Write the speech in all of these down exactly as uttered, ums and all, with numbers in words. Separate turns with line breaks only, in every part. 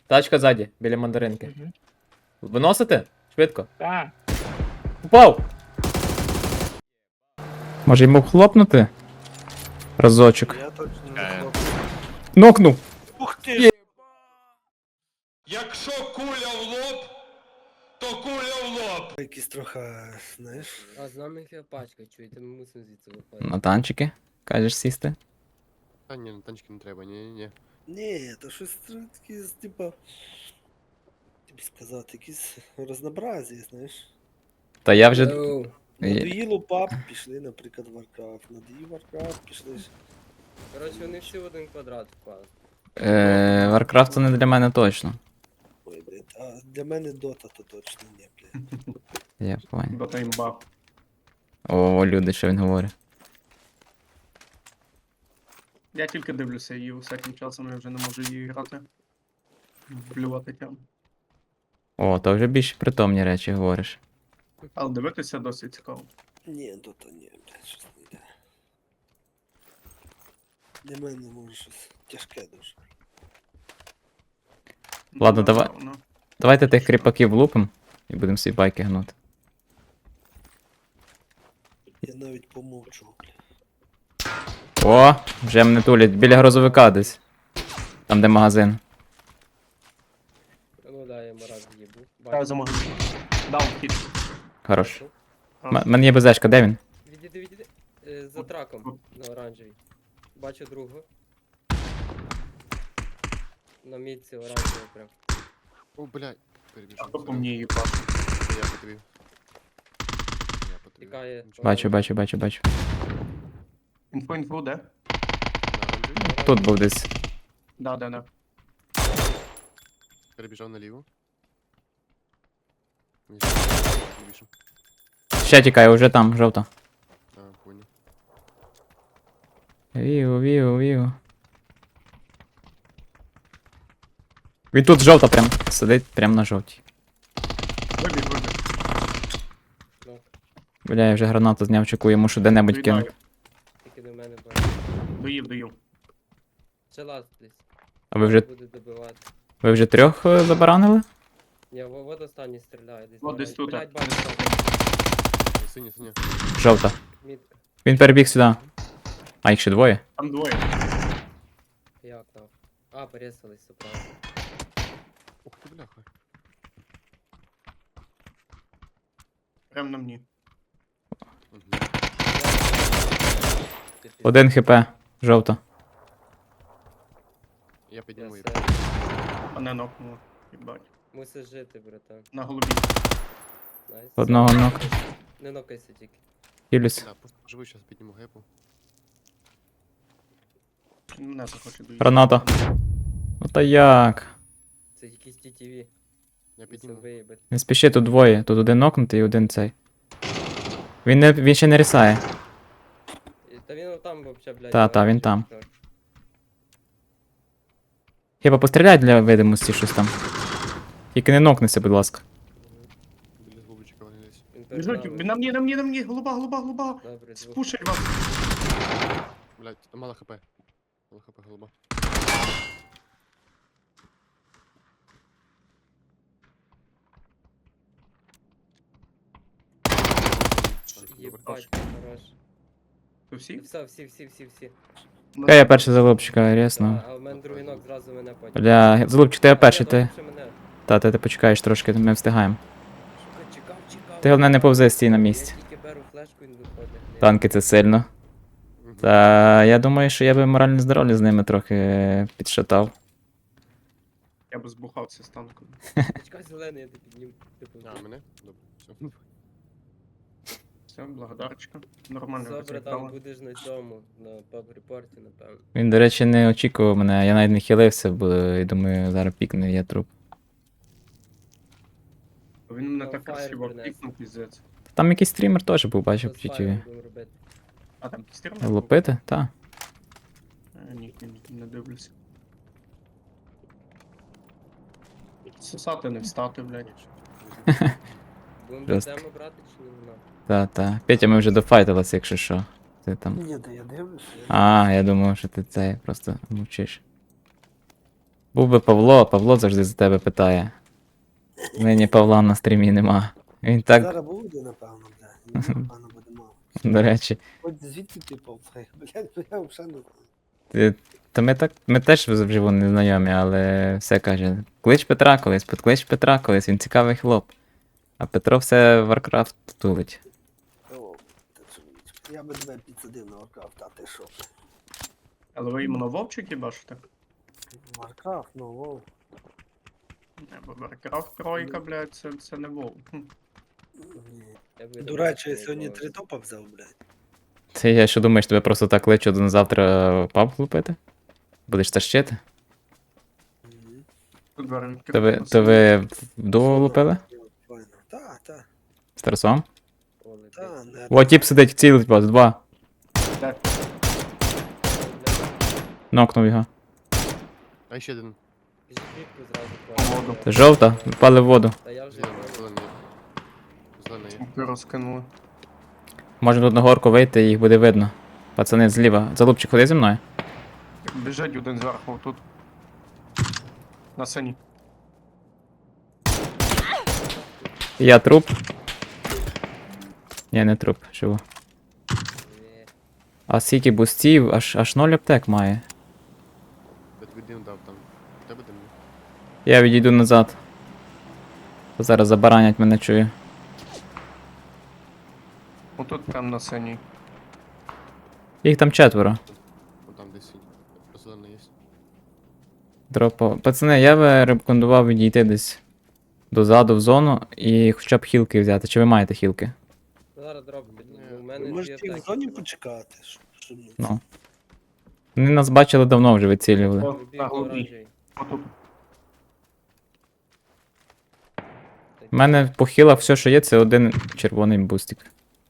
Тачка ззаді, біля мандаринки.
Мгм.
Виносите? Швидко.
Так.
Упав! Може йому хлопнути? Разочок.
Я точно не
Е.
хлопцю.
Нокнув!
Ух ти!
Є.
Якщо куля в лоб, то куля в лоб.
Якийсь трохи, знаєш.
А з нами їх пачка, чуєте, ми мусимо звідси виходити.
На танчики? Кажеш сісти?
Та ні, на танчики не треба, ні, ні, ні.
Ні, то щось таке, типа. Тобі сказати, якісь разнообразі, знаєш.
Та я вже.
Йоу.
Є.
Надоїло пап, пішли, наприклад, Warcraft. Надоїв Warcraft, пішли. ж.
Коротше, вони всі в один квадрат впали.
Е, Warcraft це не для мене точно.
Ой, блядь, а для мене Dota то точно ні, блядь.
Я понял.
Дота імба.
О, люди, що він говорить.
Я тільки дивлюся її усяким часом, я вже не можу її грати. Блювати тям.
О, то вже більш притомні речі говориш.
Але дивитися досить цікаво.
Ні, Dota ні, блядь, щось не йде. Для мене може щось тяжке дуже.
Ладно,
Ну,
давай.
напевно.
Давайте тих кріпаків влупим і будемо свої байки гнути.
Я навіть помовчу, блядь.
О, вже мене тулять біля грузовика десь. Там, де магазин.
Ну да, я мараз їбу.
Я за магазин. Дав хід.
Хорош. М- мене є безешка, де він?
Відійди, відійди. Е, За траком на оранжевій. Бачу другу. На мітці оранжевій прям.
О, блядь,
А
перебіжав.
то по мені її пашу.
Я по тобі. Я по тобі.
Тікає.
Нічого.
Бачу, бачу, бачу, бачу.
Інфо, інфо, де?
На оранжевій.
Тут був десь.
Да, да, да.
Перебіжав наліво. Ні, не більше.
Ще тікає, уже там, жовта.
А, понял.
Віу, віу, віу. Він тут жовта прям. Сидить прям на жовтій.
Вибіг, вибіг.
Ну,
Бля, я вже гранату зняв, чеку, йому що де-небудь
Доїдаю.
кинув.
тільки до мене бачу.
Доїв, доїв.
Ще лаз десь.
А ви вже,
Буде добивати.
ви вже трьох е, забаранили?
Ні, во- вот останній стріляє десь.
От
на
десь
оранжевій.
тут.
Блядь,
Десь
бачу,
тут.
Синя, синя.
Жовта.
мітка.
Він перебіг сюди. А їх ще двоє?
Там двоє.
Як там? А, порезались, все правильно.
Ух ти, бляха.
Прям на мені.
Мгм.
Ти пізд-
Один хп. Жовта.
Я
Я
підніму її.
все.
Мене нокнуло. Їбать.
Мусиш жити, братан.
На голубі.
Найс.
Одного нок.
Не нокайся тільки.
Хілюсь.
Да, просто поживу, зараз підніму гепу.
Мене захоче доїти.
Граната. Ну та як?
Це якісь ті ті ві.
Я
Це
підніму.
виїбать.
Не спіши, тут двоє. Тут один нокнутий і один цей. Він не він ще не рісає.
І- Та він там вообще, блядь.
Та, та, він там.
оранжевий.
Хіба постріляй для видимості щось там. Тільки не нокнися, будь ласка.
Біля голубчика вони десь.
Він перед
Біжуть,
нами.
на мені, на мені, на мені, голуба, голуба, голуба.
Добре, звук.
Спушать вас.
Блядь, там мало хп. Мало хп, голуба.
Єбать, хорош.
Ви
І
всі?
все, всі, всі, всі, всі.
Хай я перший залупчика, рясно.
А, а в мене другий ног зразу мене потім.
Бля, залупчик, ти я перший,
Ні,
ти.
добре, що мене.
Та, ти, ти почекаєш трошки, ми встигаємо.
Сука, чекав, чекав.
Ти головне не повзи, стій на місці.
Я тільки беру флешку і він виходить.
Танки це сильно.
Мгм.
Та я думаю, що я би моральне здоров'я з ними трохи підшатав.
Я би збухався з танком.
Чекай, зелений, я тебе підніму. Типу,
А, мене? Добре, все.
Все, благодарочка. Нормально
Добре, там
розіграли.
будеш на цьому, на паб-репорті, напевно.
Він, до речі, не очікував мене, я навіть не хилився, бо я думаю, зараз пікне, я труп.
Він мене
Там
так
фаєр
красиво
принес.
пікнув, піздець.
Там якийсь стрімер теж був, бачив
Що
в
з
ті ті
фаєром
ві.
будемо робити?
А там кістерна?
Лупити? Та.
Ні, ні, ні, не дивлюся. Сосати не встати, блядь.
Будемо
Жорстко.
тему брати чи не вона?
Та, та. Петя, ми вже дофайтилися, якщо що. Ти там.
Ні, да я дивлюся.
А, я думав, що ти це просто мовчиш. Був би Павло, а Павло завжди за тебе питає. Нині Павла на стрімі нема. Він так,
Зараз буде, напевно, блядь. Він, Напевно, буде мало.
до речі.
От звідки ти повзай? Блядь, бо я взагалі не знаю.
Ти- Та ми так, ми теж вживу не знайомі, але все каже. Клич Петра колись, підклич Петра колись, він цікавий хлоп. А Петро все Warcraft тулить.
О, та чоловіче. Я би тебе підсадив на Warcraft, а ти що?
Але ви іменно вовчики бачите?
Warcraft, ну, вов.
Не, бо Warcraft тройка, блядь, це, це не вов. Хм.
Ні.
Я би
До речі, я
не
сьогодні
боявся.
три топа взяв, блядь.
Це я що думаєш, тебе просто так кличу на завтра паб лупити? Будеш тащити?
Мгм.
Тут двері відкриті.
То ви, то ви вдвох лупили?
Файно. Та, та,
З Тарасом?
Оле,
та,
блядь.
не.
О, тіп сидить, цілить вас, два.
Де?
Нокнув його.
А ще один.
Біжи кліпку зразу
Воду.
класти.
Це жовта, впали в воду.
Та я вже
Зелений, зелений. Зелений є.
Смоки розкинули.
Можна тут на горку вийти, їх буде видно. Пацани зліва. Залупчик, ходи зі мною.
Біжать один зверху тут. На сині.
Я труп. Ні, не труп, живу.
Ні.
А скільки бустів, аж аж ноль аптек має.
Я тобі дим дав там. У тебе дим?
Я відійду назад. Зараз забаранять мене чую.
Отут прям на синій.
Їх там четверо.
Вон там десь сидить. Зелений є.
Дропо. Пацани, я би рекомендував відійти десь дозаду в зону і хоча б хілки взяти. Чи ви маєте хілки?
Зараз дроп піду.
Ні,
У
Ви
мене
можете
дві
в
атаки
зоні
були.
почекати, щоб, щоб не
Ну. Вони нас бачили давно вже вицілювали.
О,
Вибіг
на голубій.
оранжевий.
Отут.
У мене по хілах все, що є, це один червоний бустик.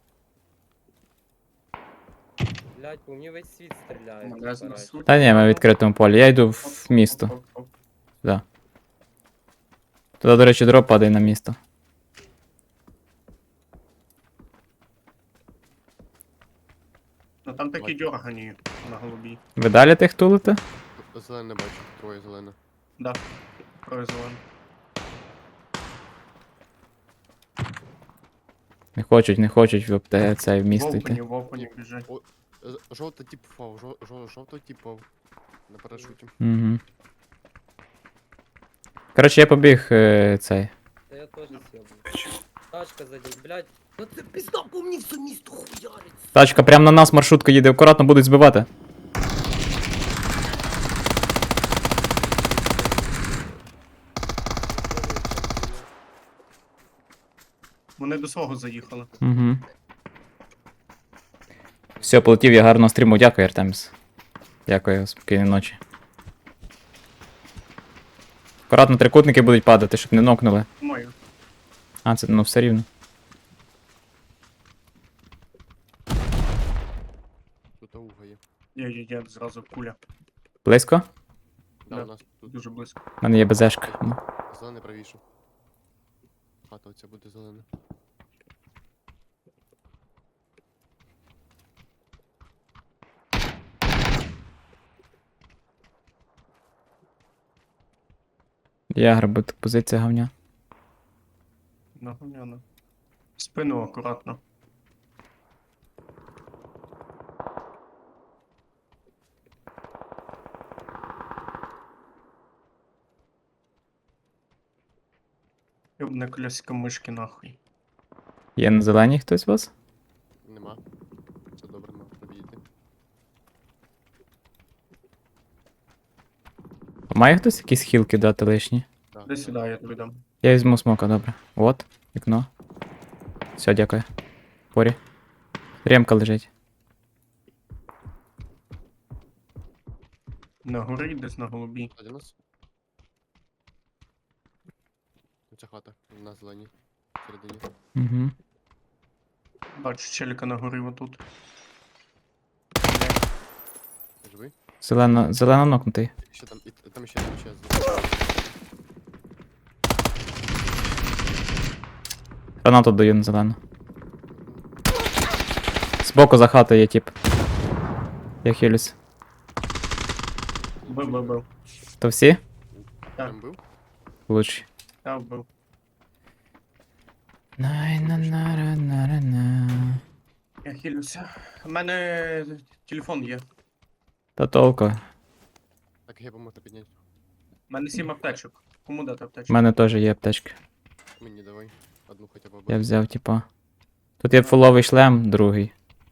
Блядь, по мені весь світ стріляє.
Мене
барач.
знесуть.
Та ні, ми в відкритому полі. Я йду в місто.
Оп, оп, оп.
Туди, до речі, дроп падає на місто.
Ну там такі дьоргані на голубій.
Ви далі тих тулите?
Зелений бачу. Троє зелене.
Да. Произволен.
Не хочуть, не хочуть в апте- це в місто
В опені,
йти.
в опені біжать.
З- Жовтий тип впав. жо- жо- Жовтий тип впав. На парашуті.
Угу. Коротше, я побіг е, цей.
Та я теж сьобую. Тачка ззаді, блядь. Ну це пізда по мені все місто хуярить.
Тачка прямо на нас, маршрутка їде, акуратно будуть збивати.
Вони до свого заїхали.
Угу. Все, полетів я гарно стріму. Дякую, Артеміс. Дякую, спокійної ночі. Акуратно трикутники будуть падати, щоб не нокнули.
Мою.
А, це ну все рівно.
Тут ауга є.
Є, є, є, зразу куля.
Близько?
Да,
Да.
у нас тут
Дуже близько.
У мене є безешка. Ну.
зелений правіше. Хата оця буде зелена.
Я грабу, позиція говня.
Нагоняно. Спину акуратно. Ёбне коляска мишки нахуй.
Є на зеленій хтось у вас?
Нема. Це добре, ми пробійти.
А має хтось якісь хілки дати лишні?
Да,
Де сюди я тобі дам.
Я візьму смока, добре. От, вікно. Все, дякую. Порі. Ремка лежить.
На горі, десь на голубій.
Один нас. Оця хата на зеленій. Всередині.
Угу.
Бачу челіка на горі отут.
Ти живий?
Зелено, зелено нокнутий.
Ще там, і там ще, там ще.
Гранату даю на зелену. Збоку за хатою є тип. Я хилюсь.
Бив, бив, бив.
То всі?
Так.
Там був?
Лучший.
Я вбив.
най на на ра на ра на
Я хилюся. У мене телефон є.
Та толку.
Так, я можна підняти.
У мене сім аптечок. Кому дати
У
аптечку?
мене теж є аптечка.
Мені давай. Одну хоча б.
Я
обережно.
взяв, типа. Тут є фуловий шлем, другий.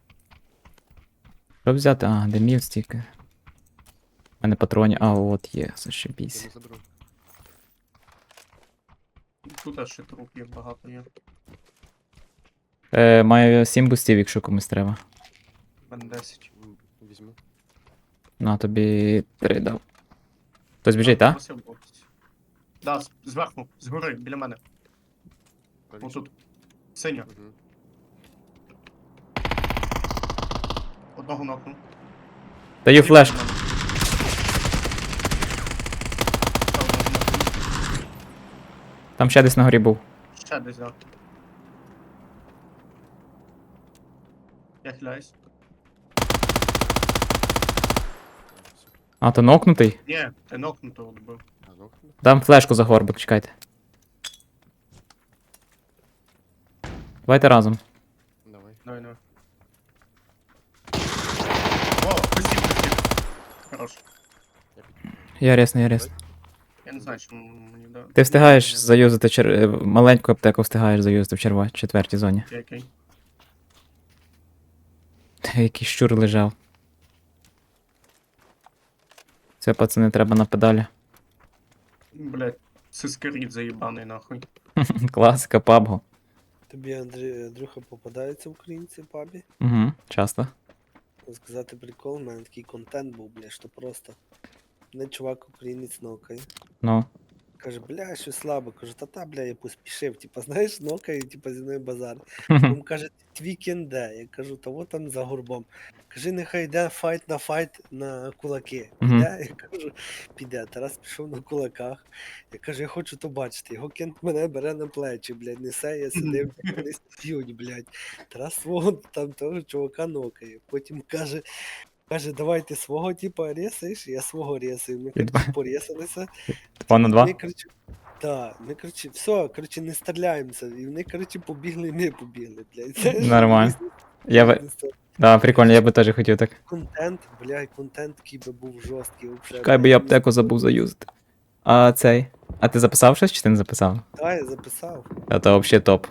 Що взяти? А, димів стільки. У мене патронів. А, от є,
Я
зашибісь.
не заберу.
Тут аж ще труп є, багато є.
Е, маю сім бустів, якщо комусь треба.
У мене десять.
М, Візьму.
На, тобі три дав. Хтось біжить, так?
Просив бокс. Да, з- зверху, згори, біля мене.
Правіше.
Отут. Синя.
Мгм.
Одного нокнув.
Даю флеш.
Ще одного нокнув.
Там ще десь на горі був.
Ще десь, да. Я хиляюсь.
Все.
А, то нокнутий?
Ні, ти нокнутого добив.
А, ну,
Дам флешку за горбик, чекайте. Давайте разом.
давай.
Давай, давай. О, пустів, пустів. Хорош.
Я під...
Я ресну, я ресну.
Я не знаю, що мені да.
Ти встигаєш заюзати чер... е, маленьку аптеку встигаєш заюзати в черва... четвертій зоні.
Окей, окей.
Який щур лежав. Це, пацани, треба на педалі.
Блять, сискаріт заїбаний нахуй.
Класика, пабго.
Тобі, Андрій, Андрюха, попадаються українці в пабі?
Угу, часто.
Сказати прикол, у мене такий контент був, бля, що просто. Мене чувак українець нокає.
Ну.
Каже, бля, що слабо. Кажу, та-та, бля, я поспішив. Типа, знаєш, нокає, типа зі мною базар. Він каже, твій кенде. Я кажу, та от там за горбом. Кажи, нехай йде файт на файт на кулаки.
Мгм.
Піде? Я кажу, піде. Тарас пішов на кулаках. Я кажу, я хочу то бачити. Його кент мене бере на плечі, блядь, несе, я сидив, вони стють, блядь. Тарас свого там того чувака нокає. Потім каже, каже, давай ти свого типа рєсаєш, я свого рєсаю. Ми
І два.
коротше, порєсалися.
Два на два?
Ми, коротше, так, ми, коротше, все, коротше, не стріляємося. І вони, коротше, побігли, і ми побігли, блядь. Це ж
Нормально.
різні-
Я би...
різні
Да, прикольно, я би теж хотів так.
Контент, блядь, контент такий би був жорсткий. Вообще,
Чекай, би я аптеку забув заюзати. А цей. А ти записав щось чи ти не записав?
Так, я записав.
А то взагалі топ.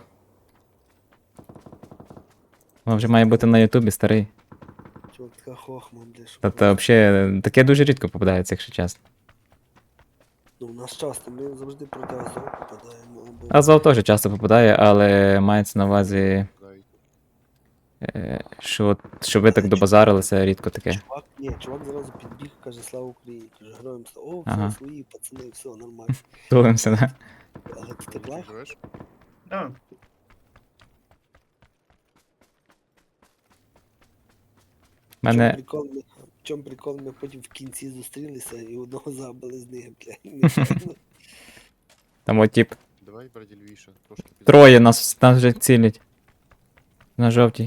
Воно вже має бути на Ютубі старий.
Чувак, така хохма, блядь. що
Та то
просто.
взагалі таке дуже рідко попадається, якщо чесно.
Ну, у нас часто, ми завжди проти Азов попадаємо. Або...
Азов теж часто попадає, але мається на увазі,
Дай.
е, що, от- що ви так добазарилися, рідко таке.
Чувак, ні, чувак зразу підбіг, каже, слава Україні. Каже, героям слава. О, все,
Ага.
свої, пацани, все, нормально.
Тулимося, да?
Але ти так лах.
Живеш?
Да.
В чому
Мене.
прикол, ми, в чому прикол, ми потім в кінці зустрілися і одного забили з них, блядь. нечайно.
Там от тип.
Давай, браді лівіше. Трошки пізніше.
Троє нас, нас вже цілять. На жовтій.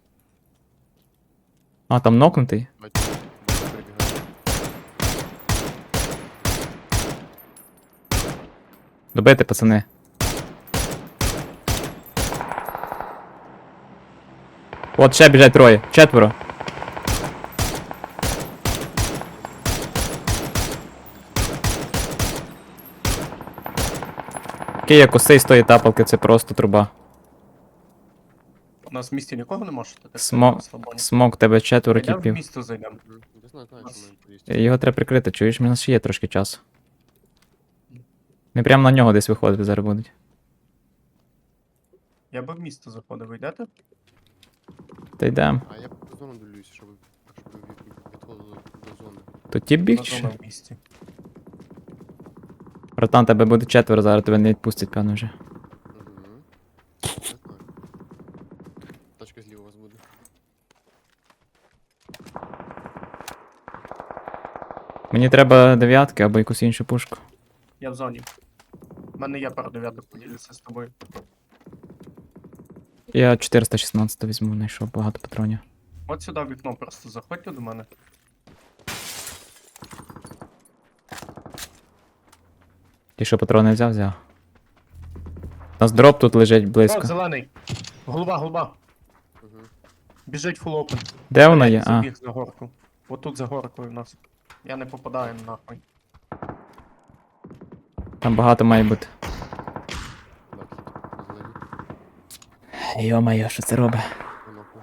А, там нокнутий?
Давай, давай, перебігай.
Добити, пацани. От ще біжать троє. Четверо. Який я косий з тої тапалки, це просто труба.
У нас в місті нікого не може? Так,
Смо-
на слабоні.
Смок, тебе четверо
Йдемо в
тіпів.
місто зайдемо.
Мгм. Я знаю, знаю, що ми поїсти.
Його треба прикрити, чуєш, в нас ще є трошки часу. Ми прямо на нього десь виходити зараз будуть.
Я би в місто заходив, ви йдете?
Та йдем.
А я по зону дивлюся, щоб, щоб ви від- відходили до зони.
Тут тіп біг
На
чи
зону
що?
в місті.
Братан, тебе буде четверо, зараз тебе не відпустять, певно вже.
Угу. Я знаю. Тачка зліва у вас буде.
Мені треба дев'ятки або якусь іншу пушку.
Я в зоні. У мене є пара дев'яток, поділюся з тобою.
Я чотириста шістнадцять візьму, знайшов багато патронів.
От сюди в вікно просто заходьте до мене.
Ті, що патрони взяв, взяв. У нас дроп тут лежить
О,
близько.
зелений. Голова, голова.
Угу.
Біжить фул опен.
Де вона є? А,
Забіг за горку. Отут за горкою в нас. Я не попадаю нахуй.
там багато має бути.
Так, зелені.
Йо-моє, що це робить?
Нокну.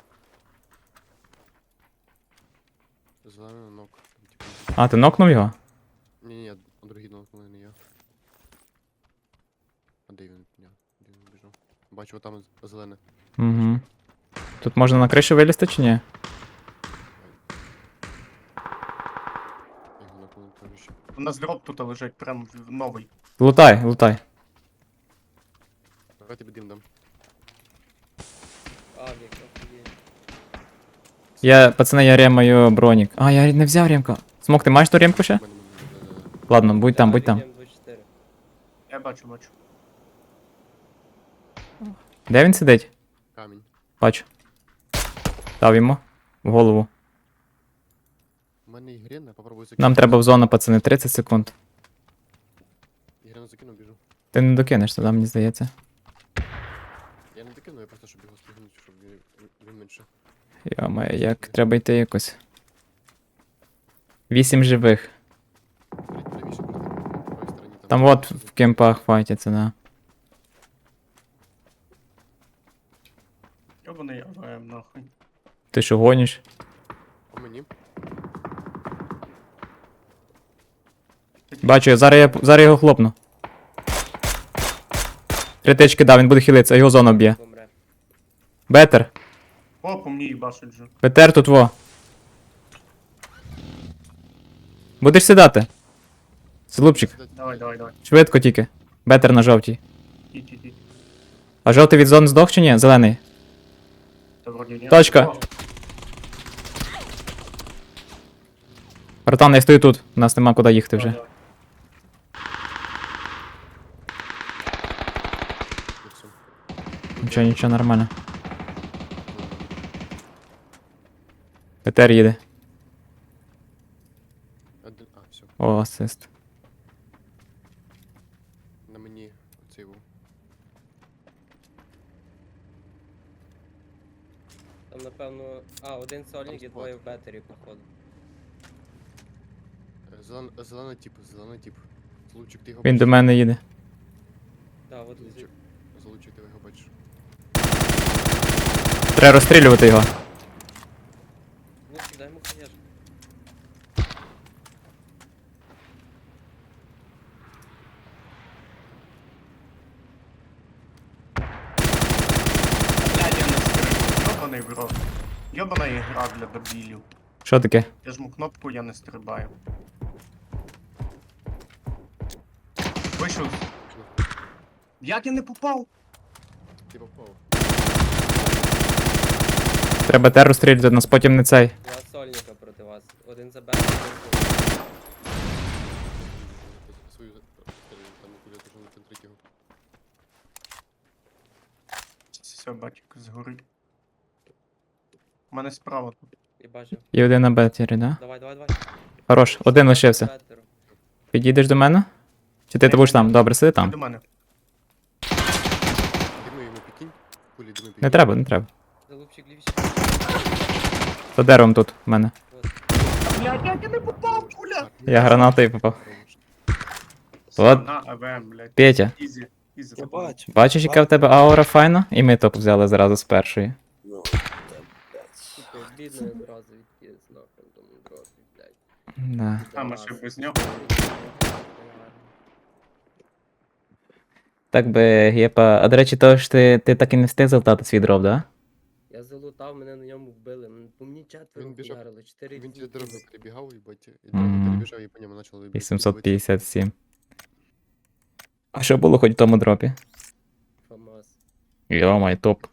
Зелений нок. Типу,
А, ти нокнув його?
ні-ні, а другий нокнули не я. А де він? Ні, де він біжав? Бачу, там з- зелене.
Угу. Тут можна на кришу вилізти чи ні?
Я його нокнули теж ще.
У нас дроп тут лежить, прям в- новий.
Лутай, лутай.
Давай тобі дим дам.
Авік, охуєнь.
Я, пацани, я ремаю бронік. А, я не взяв ремку. Смок, ти маєш ту ремку ще?
У мене- мене- мене- мене-
Ладно, будь там, будь там.
Авік М двадцять чотири.
Я бачу, бачу.
Де він сидить?
Камінь.
Бачу. Дав йому. В голову.
У мене ігрена, попробуй закинути.
Нам треба в зону, пацани, тридцять секунд.
Ігрену закину, біжу.
Ти не докинеш туди, мені здається.
Я не докину, я просто щоб його спригнути, щоб він, він менше.
Йо-моє, як треба йти якось. Вісім живих.
Прі- Правіше буде на правій стороні.
Там от в кемпах файтяться, да.
Йобаний АВМ нахуй.
Ти що гониш?
По мені.
Бачу, я зараз я зараз я його хлопну. Три тички дав, він буде хилитися, а його зона б'є.
Помре.
Бетер.
О, по мені їбашить вже.
Бетер тут во. Будеш сідати? Слупчик,
Давай, давай, давай.
швидко тільки. Бетер на жовтій.
Ідь, ідь, ідь.
А жовтий від зони здох чи ні? Зелений.
Та вроді ні.
Точка.
О,
Братан, я стою тут. У нас нема куди їхати вже.
давай,
І все.
Нічого, нічого, нормально. Бетер їде.
Один, а, все.
О, асист.
На мені оцей був.
Там, напевно. А, один сольник і двоє в бетері, походу.
Е, Зелен, зелений тип, зелений тип. Злучик, ти його
Він
бачиш?
до мене їде.
Да, от
Злучик, Злучик, ти його бачиш.
Треба розстрілювати його.
Ну, дай йому хаєш.
блядь, я не стрибаю. Йобаний в рот. Йобана ігра для дебілів.
Що таке?
Я жму кнопку, я не стрибаю. Вийшов. Як я не попав?
Ти попав.
Треба Бетер розстрілювати, нас потім не цей.
Два сольника проти вас. Один за бетері, один за.
Свою стрілю, там куди пішов на центрі його.
Все, батько, згори. У мене справа тут.
І бачив.
І один на бетері, да?
Давай, давай, давай.
Хорош, один лишився.
Бетеру.
Підійдеш до мене? Чи ти, ти будеш там? Добре, сиди
До
там.
мене.
Дими йому пікінь. Кулі дими пікінь.
Не треба, не треба.
Залупчик лівіше.
За деревом тут в мене.
Блядь, як я не попав, куля!
Я гранатою попав. От.
На, АВМ, блядь.
Петя,
Ізі. Ізі.
Я бачу.
бачиш, яка в тебе аура файна? І ми топ взяли зразу з першої.
Ну, та, блядь.
Сука, бідно одразу відкис нахуй тому дропі, блядь.
Да.
А, ми ще без нього.
Так би, Гепа. А до речі, то ж ти, ти так і не встиг залутати свій дроп, да?
Я залутав, мене на ньому вбили. М, По мені четверо
Він біжав.
вдарили, чотири
Він тебе
кілки.
дорогою прибігав, їбать, і
Мгм.
дорогу перебіжав, і по ньому почали бити.
вісімсот п'ятдесят сім. А що було хоч в тому дропі?
ФАМАС.
Йо-май, топ.